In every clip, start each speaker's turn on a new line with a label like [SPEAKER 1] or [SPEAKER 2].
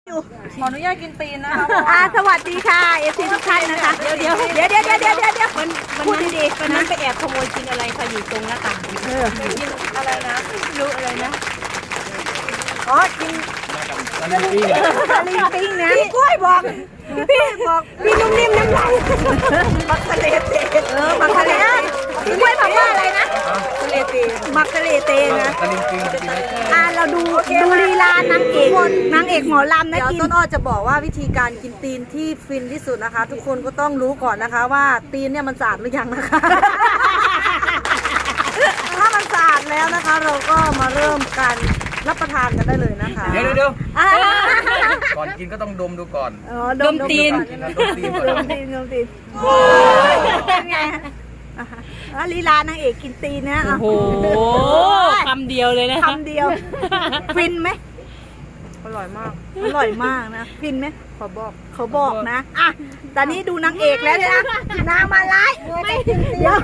[SPEAKER 1] ขออนุญาตกินตีนนะคะ
[SPEAKER 2] สวัสดีค่ะเอฟซีทุกท่านนะคะเดี๋ยวพูดดีๆวันนั้นไปแอบขโมยกินอะไรคะอยู่ตรงหน้าต่าง
[SPEAKER 1] กินอะไรนะ
[SPEAKER 2] ไม่รู้อะไรนะ
[SPEAKER 1] อ๋อกิน
[SPEAKER 2] ตะลิงปิ้งนะพี่กล้วยบอกพี่นุ่มนิ่มน้ำลายมักทะเลเตมักทะเลพี่กล้วยบอกว่าอะไรนะทะเลเตมักทะเลเตนะเราดูลีลานางเอกหมอลำนะกินต้นอ้อจะบอกว่าวิธีการกินตีนที่ฟินที่สุดนะคะ ทุกคนก็ต้องรู้ก่อนนะคะว่าตีนเนี่ยมันสะอาดหรือยังนะคะถ้ามันสะอาดแล้วนะคะ เราก็มาเริ่มการรับประทานกันได้เลยนะคะ
[SPEAKER 3] เดี๋ยวก่อนกินก็ต้องดมดูก่อน
[SPEAKER 2] ดมตีนเป็นไงลีลานางเอกกินตีนนะ
[SPEAKER 1] โอ้โหคำเดียวเลยนะ
[SPEAKER 2] คำเดียวฟินไหม
[SPEAKER 1] อร่อยม
[SPEAKER 2] ากนะฟินไหมเขาบอกนะตอนนี้ดูนางเอกแล้วนะนางมาไล่เดี๋ยว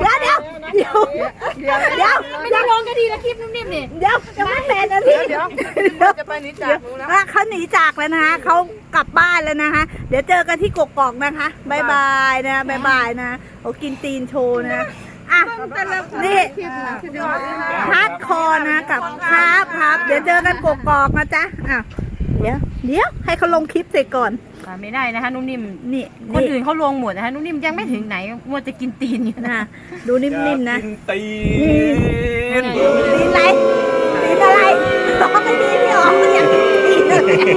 [SPEAKER 4] ไม่ได้ลงก็ดีนะคลิปนุ่มๆนี่
[SPEAKER 2] เดี๋ยวจะไม่แมนนะพี่
[SPEAKER 1] เดี๋ยวจะไปนิจากรู้แล้ว
[SPEAKER 2] เขาหนีจากแล้วนะคะเขากลับบ้านแล้วนะคะเดี๋ยวเจอกันที่กกอกนะคะบายบายนะเขากินตีนโชว์นะนี่ฮาร์ดคอร์นะกับครับเดี๋ยวเจอกันกกอกนะจ๊ะเดี๋ยวให้เขาลงคลิปเสร็จก่อน
[SPEAKER 4] ไม่ได้นะคะนุ่มนิ่ม
[SPEAKER 2] นี่
[SPEAKER 4] คนอื่นเขาลงหมดนะคะนุ่มนิ่มยังไม่ถึงไหนมัวจะกินตีนอยู่นะ
[SPEAKER 2] ดูนิ่มๆนะ
[SPEAKER 3] ตีน
[SPEAKER 2] อะไรต้องไม่ดีพี่อ๋ออยากกินตีน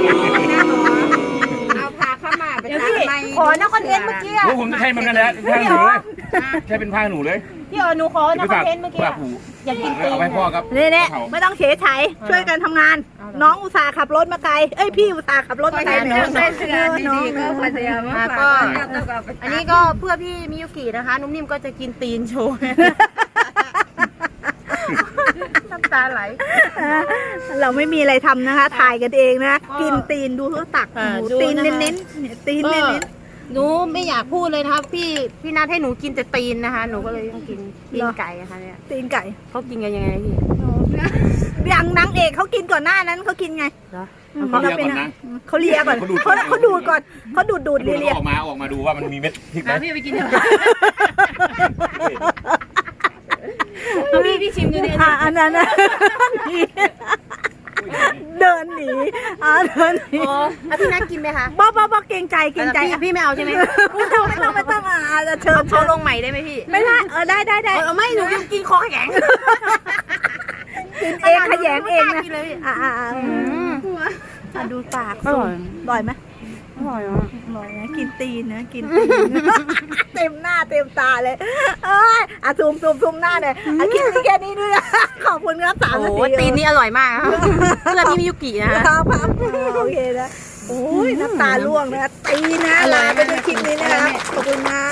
[SPEAKER 1] เอาพาเข้ามาไป
[SPEAKER 2] ขอนักคอนเทนต์เมื่อกี้
[SPEAKER 3] ผมใช่มันนั่นแหละผ้าหนูเลยใช่เป็นผ้าหนูเลย
[SPEAKER 4] พี่อ๋อหนูขอนักคอนเทนต์เมื่อกี้อยากกินตีน
[SPEAKER 3] เอาไปพ่อครับ
[SPEAKER 2] นี่ไม่ต้องเฉยไฉช่วยกันทำงานน้องอุตส่าห์ขับรถมาไกลพี่อุตส่าห์ขับรถมาไกล
[SPEAKER 1] น้องก็พยายาม
[SPEAKER 4] ก็อันนี้ก็เพื่อพี่มิยุกินะคะนุ่มนิ่มก็จะกินตีนโชว์น้ำตาไหล
[SPEAKER 2] เราไม่มีอะไรทำนะคะถ่ายกันเองนะกินตีนดูเขาตักตีนเน้นตีนเน้น
[SPEAKER 4] หนูไม่อยากพูดเลยนะคะพี่นัดให้หนูกินแต่ตีนนะคะหนูก็เลยต้องกินตีนไก่นะคะเนี่ย
[SPEAKER 2] ตีนไก่
[SPEAKER 4] เขากินกันยังไงพี่
[SPEAKER 2] อย่างนางเอกเขากินก่อนหน้านั้นเขากินไง
[SPEAKER 3] เขาเลียก่อนนะ
[SPEAKER 2] เขาเลียก่อนเขาดูดก่อนเขาดูดเลีย
[SPEAKER 3] ออกมาดูว่ามันมีเม็ดพริกไหม
[SPEAKER 4] พี่ไปกินพี่ชิมดูดิ
[SPEAKER 2] อันนั้นเดินหนี
[SPEAKER 4] พี่นัดกินไหมคะ
[SPEAKER 2] บ้าเกรงใจ
[SPEAKER 4] พี่ไม่เอาใช่ไหม
[SPEAKER 2] ไม่ต้องเชิญ
[SPEAKER 4] เขาลงใหม่ได้ไหมพี่
[SPEAKER 2] ไม่ได้ได้
[SPEAKER 4] ไม่หนูยังกินคอแข็ง
[SPEAKER 2] กินเองขยงเองนะดูปากอร่อยไหม
[SPEAKER 1] อร่อย
[SPEAKER 2] นะกินตีนนะกินเต็มหน้าเต็มตาเลยซูมหน้าเลยคลิปนี้แค่นี้ด้วยขอบคุณครับ3 นาที
[SPEAKER 4] ตีนนี่อร่อยมากเพื่อพี่มิยุกินะครับ
[SPEAKER 2] โอเคนะโอ้ยน้ำตาล่วงนะตีนะลาไปดูคลิปนี้นะครับขอบคุณมาก